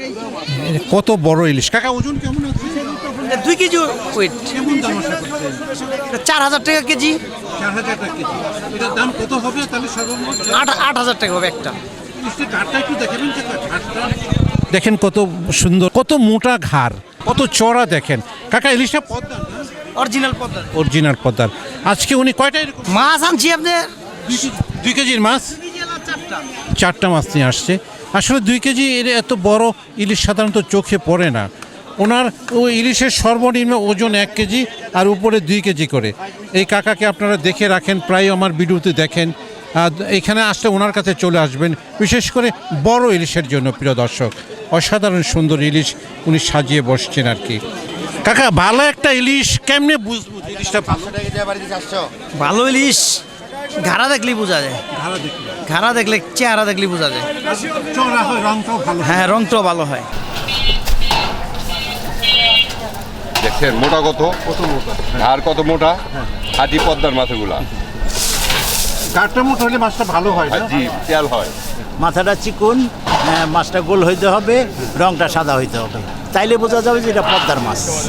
কত বড় ইলিশ কাকা, ওজন কেমন আছে? 2 কেজি ওয়েট। কেমন দাম আশা করছেন? 4000 টাকা কেজি। 4000 টাকা কেজি। এটার দাম কত হবে তাহলে সর্বমোট? 8000 টাকা হবে একটা। ইলিশের ঘাটটা একটু দেখাবেন কাকা, ঘাটটা দেখেন কত সুন্দর, কত মোটা ঘাড়, কত চড়া দেখেন কাকা। ইলিশটা পদ্মার না? অরিজিনাল পদ্মা অরিজিনাল পদ্মার। আজকে উনি কয়টা এরকম মাছ আনছি আপনার 2 কেজির মাছ, 4টা মাছ নিয়ে আসছে। আসলে 2 কেজি এর এত বড় ইলিশ সাধারণত চোখে পড়ে না। ওনার ওই ইলিশের সর্বনিম্ন ওজন 1 কেজি আর উপরে 2 কেজি করে। এই কাকাকে আপনারা দেখে রাখেন, প্রায় আমার ভিডিওতে দেখেন। এখানে আসলে ওনার কাছে চলে আসবেন, বিশেষ করে বড় ইলিশের জন্য। প্রিয় দর্শক, অসাধারণ সুন্দর ইলিশ উনি সাজিয়ে বসছেন আর কি। কাকা, ভালো একটা ইলিশ কেমনে বুঝবো ইলিশটা ভালো? ভালো ইলিশ ঘাড়া দেখলেই বোঝা যায়। ঘাড়া দেখলে, চেহারা দেখলেই বোঝা যায়। চড়া হয়, রংটাও ভালো। হ্যাঁ, রংটাও ভালো হয়। দেখছেন মোটা কত মোটা, আর কত মোটা। হাজি পদ্মার মাছগুলা গাঢ়টা মোটা হলে মাছটা ভালো হয় না? জি, তেল হয়। মাথাটা চিকুন, মাছটা গোল হইতে হবে, রংটা সাদা হইতে হবে, তাইলে বোঝা যাবে যে এটা পদ্মার মাছ।